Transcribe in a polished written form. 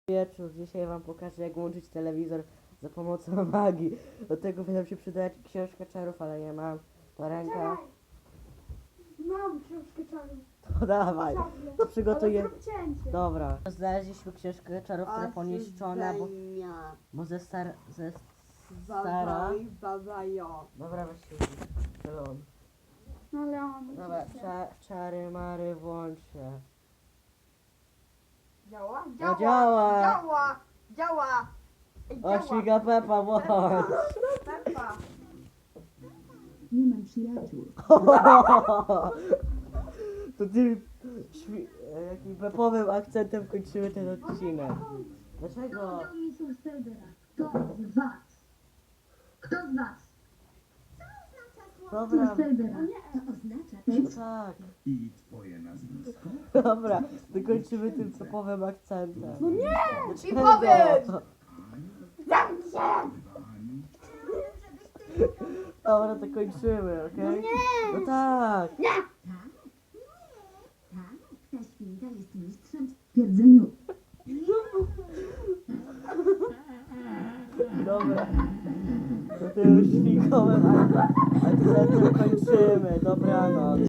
Wieczór. Dzisiaj wam pokażę, jak łączyć telewizor za pomocą magii. Do tego by nam się przydać książka czarów, ale nie mam. To ręka. Mam książkę czarów. To dawaj. To przygotuję. Ale zrób cięcie. Dobra. Znaleźliśmy książkę czarów, która poniszczona, bo ze stara. Dobra, weź się. Zielony. No ale on. Dobra, czary mary włącz się. Działa? No działa. Działa! Działa! Ej, O, działa. świga Pepa, włącz. Pepa. Nie mam przyjaciół. To ty jakim pepowym akcentem kończymy ten odcinek. Dlaczego? Mistrzów serwera. Kto z was? Kto z was? Dobra, Mistrzów serwera. To oznacza też... tak. I twoje nazwisko? Dobra, to kończymy tym pepowym akcentem. No nie! I powiedz! Dobra, to kończymy, okej? No tak. Ta świnka jest mistrzem w twierdzeniu. Dobra. To tym świnkowym akcentem kończymy. Dobranoc.